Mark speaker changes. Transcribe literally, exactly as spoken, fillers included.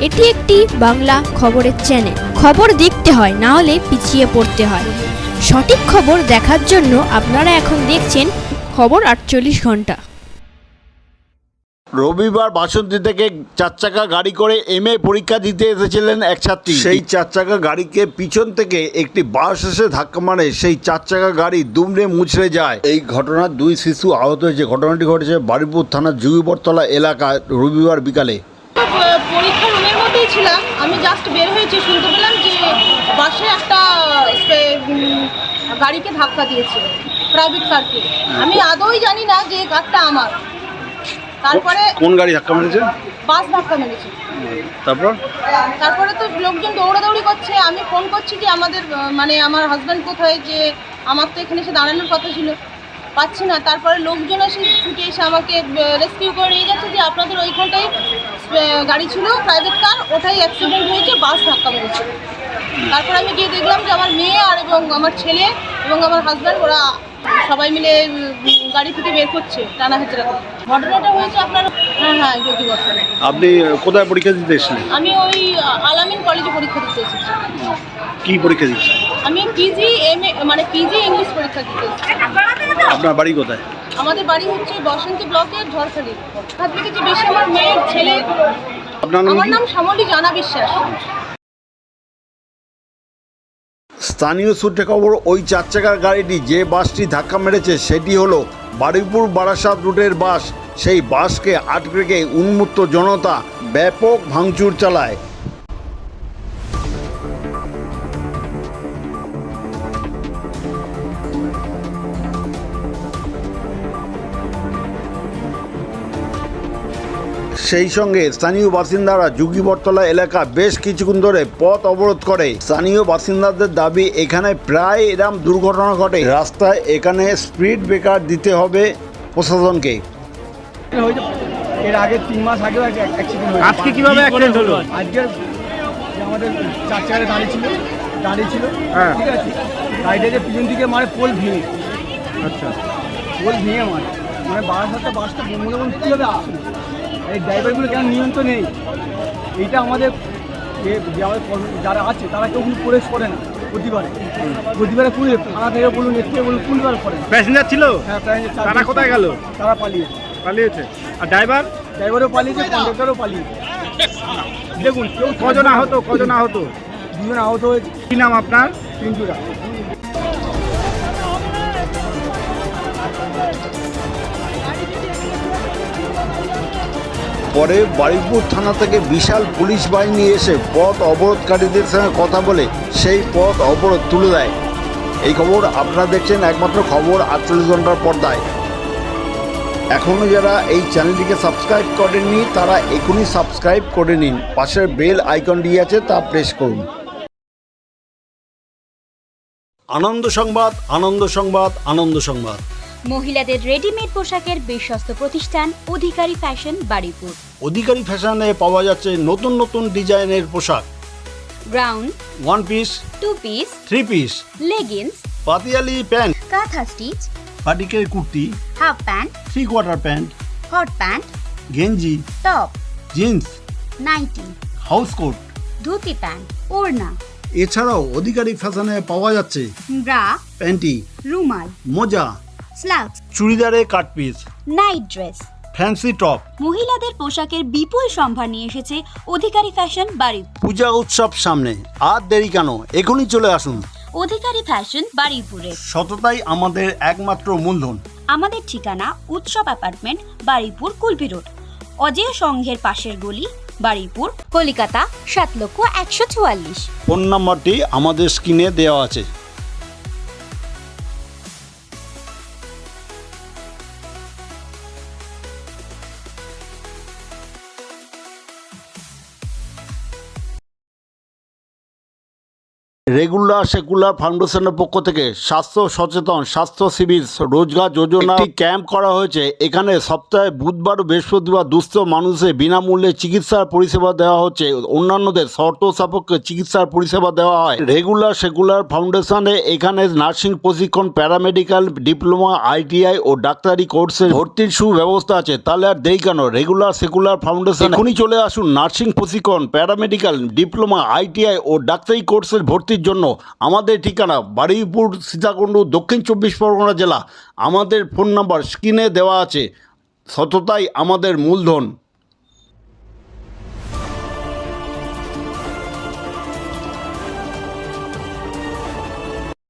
Speaker 1: এটি একটি বাংলা খবরের চ্যানেল। খবর দেখতে হয়, না হলে পিছিয়ে পড়তে হয়। সঠিক খবর দেখার জন্য আপনারা এখন দেখছেন খবর আটচল্লিশ ঘন্টা।
Speaker 2: রবিবার বাসন্তী থেকে চার চাকা গাড়ি করে এম এ পরীক্ষা দিতে এসেছিলেন এক ছাত্রী। সেই চার চাকা গাড়িকে পিছন থেকে একটি বাস এসে ধাক্কা মারে, সেই চার চাকা গাড়ি দুমড়ে মুচড়ে যায়। এই ঘটনার দুই শিশু আহত হয়েছে। ঘটনাটি ঘটেছে বারুইপুর থানার যুগীবরতলা এলাকায় রবিবার বিকালে।
Speaker 3: পরীক্ষা রুমের মধ্যেই ছিলাম, আমি জাস্ট বের হয়েছি, শুনতে পেলাম যে বাসে একটা গাড়িকে ধাক্কা দিয়েছে, প্রাইভেট কারকে। আমি আদৌই জানি না যে কারটা আমার। তারপরে
Speaker 2: কোন গাড়ি ধাক্কা মেরেছে?
Speaker 3: বাস ধাক্কা মেরেছে।
Speaker 2: তারপর
Speaker 3: তারপরে তো লোকজন দৌড়াদৌড়ি করছে। আমি ফোন করছি যে আমাদের মানে আমার হাজব্যান্ড কোথায়, যে আমার তো এখানে এসে দাঁড়ানোর কথা ছিল, পাচ্ছি না। তারপরে লোকজন এসে ছুটে এসে আমাকে রেস্কিউ করে নিয়ে যাচ্ছে যে আপনাদের ওইখানটাই গাড়ি ছিল প্রাইভেট কার, ওটাই অ্যাক্সিডেন্ট হয়েছে, বাস ধাক্কা মেরেছে। তারপরে আমি গিয়ে দেখলাম যে আমার মেয়ে আর এবং আমার ছেলে এবং আমার হাজব্যান্ড ওরা সবাই মিলে গাড়ি থেকে বের করছে টানা হেঁচড়া করে। ঘটনাটা হয়েছে আপনার হ্যাঁ হ্যাঁ যোগী বর্তমানে।
Speaker 2: আপনি কোথায় পরীক্ষা দিতে এসেছিলেন?
Speaker 3: আমি ওই আলামিন কলেজে পরীক্ষা দিতে এসেছি।
Speaker 2: কি পরীক্ষা দিচ্ছেন?
Speaker 3: আমি পিজি এম এ মানে পিজি ইংলিশ পরীক্ষা দিতে এসেছি।
Speaker 2: আপনার বাড়ি কোথায়?
Speaker 3: আমাদের বাড়ি হচ্ছে বসন্তী ব্লকের ঝড়খালি। হাত থেকে যে বেশি আমার মেয়ের ছেলে।
Speaker 2: আপনার নাম?
Speaker 3: আমার নাম শ্যামলী জানা বিশ্বাস।
Speaker 2: স্থানীয় সূত্রে খবর, ওই চার চাকার গাড়িটি যে বাসটি ধাক্কা মেরেছে সেটি হলো বারুইপুর বারাসাত রুটের বাস। সেই বাসকে আটকে রেখে উন্মত্ত জনতা ব্যাপক ভাঙচুর চালায়। সেই সঙ্গে স্থানীয় বাসিন্দারা যুগীবরতলা এলাকা বেশ কিছুক্ষণ ধরে পথ অবরোধ করে। স্থানীয় বাসিন্দাদের দাবি, এখানে প্রায় এরকম দুর্ঘটনা ঘটে, রাস্তায় এখানে স্পিড ব্রেকার দিতে হবে প্রশাসনকে।
Speaker 4: এর আগে তিন মাস আগেও একটা অ্যাক্সিডেন্ট হয়েছে।
Speaker 5: আজকে কিভাবে অ্যাক্সিডেন্ট হলো?
Speaker 4: আজকের যে আমাদের চার চাকারে দাঁড়িয়ে ছিল দাঁড়িয়ে ছিল
Speaker 5: হ্যাঁ।
Speaker 4: ঠিক আছে, গাড়িটা যে পিছন দিকে মারে পোল ভেঙে,
Speaker 5: আচ্ছা,
Speaker 4: পোল ভেঙে মারে মানে বারাসাতে বাসটা মনে মনে কীভাবে আসছে, এই ড্রাইভারগুলো কেন নিয়ন্ত্রণ নেই, এইটা আমাদের যে যে আমাদের কর্ম- যারা আছে তারা কেউ কিন্তু প্রবেশ করে না। প্রতিবারে প্রতিবারে পুলিশ থানা থেকে বলুন, এর থেকে বলুন, পুলিশ করে না।
Speaker 5: প্যাসেঞ্জার ছিল?
Speaker 4: হ্যাঁ, প্রায় চার-
Speaker 5: তারা কোথায় গেল?
Speaker 4: তারা পালিয়েছে,
Speaker 5: পালিয়েছে। আর ড্রাইভার?
Speaker 4: ড্রাইভারও পালিয়েছে, কন্ডাক্টরও পালিয়েছে। দেখুন কেউ
Speaker 5: কজন আহত? কজন আহত?
Speaker 4: দুজন আহত হয়েছে।
Speaker 5: কি নাম আপনার?
Speaker 4: পিন্টুরা।
Speaker 2: পরে বারুইপুর থানা থেকে বিশাল পুলিশ বাহিনী এসে পথ অবরোধকারীদের সঙ্গে কথা বলে সেই পথ অবরোধ তুলে দেয়। এই খবর আপনারা দেখছেন একমাত্র খবর আটচল্লিশ ঘন্টার পর্দায়। এখনও যারা এই চ্যানেলটিকে সাবস্ক্রাইব করেননি তারা এখনই সাবস্ক্রাইব করে নিন, পাশের বেল আইকনটি আছে তা প্রেস করুন। আনন্দ সংবাদ, আনন্দ সংবাদ, আনন্দ সংবাদ।
Speaker 6: মহিলাদের রেডিমেড পোশাকের বিশ্বস্ত প্রতিষ্ঠান অধিকারী ফ্যাশন বারুইপুর।
Speaker 2: অধিকারী ফ্যাশনে পাওয়া যাচ্ছে নতুন নতুন ডিজাইনের পোশাক,
Speaker 6: ground,
Speaker 2: one piece,
Speaker 6: two piece,
Speaker 2: three piece,
Speaker 6: leggings,
Speaker 2: Patiala pant,
Speaker 6: kantha stitch,
Speaker 2: পাটিকের kurti,
Speaker 6: half pant,
Speaker 2: three quarter pant,
Speaker 6: hot pant,
Speaker 2: গেঞ্জি,
Speaker 6: top,
Speaker 2: jeans,
Speaker 6: nightie,
Speaker 2: house coat,
Speaker 6: dhoti pant, ওড়না,
Speaker 2: এছাড়াও অধিকারী ফ্যাশনে পাওয়া যাচ্ছে
Speaker 6: ব্রা,
Speaker 2: প্যান্টি,
Speaker 6: রুমাল,
Speaker 2: মোজা,
Speaker 6: স্লাক্স,
Speaker 2: চুড়িদারে cut piece,
Speaker 6: night dress.
Speaker 2: Fancy top.
Speaker 6: মহিলাদের পোশাকের বিপুল সম্ভার নিয়ে এসেছে অধিকারী ফ্যাশন বারুইপুর।
Speaker 2: পূজা উৎসব সামনে, আর দেরি কেন, এখনই চলে আসুন।
Speaker 6: অধিকারী ফ্যাশন বারুইপুরে।
Speaker 2: সততাই আমাদের একমাত্র মূলধন।
Speaker 6: আমাদের ঠিকানা উৎসব অ্যাপার্টমেন্ট, বারুইপুর, কুলপি রোড, অজেয় সংঘের পাশের গলি, বারুইপুর, কলিকাতা সাত লক্ষ একশো চুয়াল্লিশ।
Speaker 2: ফোন নাম্বারটি আমাদের স্ক্রিনে দেওয়া আছে। রেগুলার সেকুলার ফাউন্ডেশনের পক্ষ থেকে স্বাস্থ্য সচেতন স্বাস্থ্য শিবির রোজগার যোজনা একটি ক্যাম্প করা হয়েছে। এখানে সপ্তাহে বুধবার ও বৃহস্পতিবার দুস্থ মানুষের বিনামূল্যে চিকিৎসার পরিষেবা দেওয়া হচ্ছে, অন্যান্যদের শর্ত সাপেক্ষে চিকিৎসার পরিষেবা দেওয়া হয়। রেগুলার সেকুলার ফাউন্ডেশনে এখানে নার্সিং প্রশিক্ষণ, প্যারামেডিক্যাল ডিপ্লোমা, আইটিআই ও ডাক্তারি কোর্সে ভর্তির সুব্যবস্থা আছে। তাহলে আর দেরি কেন? রেগুলার সেকুলার ফাউন্ডেশন এখনই চলে আসুন। নার্সিং প্রশিক্ষণ, প্যারামেডিক্যাল ডিপ্লোমা, আইটিআই ও ডাক্তারি কোর্সের ভর্তির জন্য। আমাদের ঠিকানা বারুইপুর, সীতাকুণ্ড, দক্ষিণ চব্বিশ পরগনা জেলা। আমাদের ফোন নাম্বার স্ক্রিনে দেওয়া আছে। সততাই আমাদের মূলধন।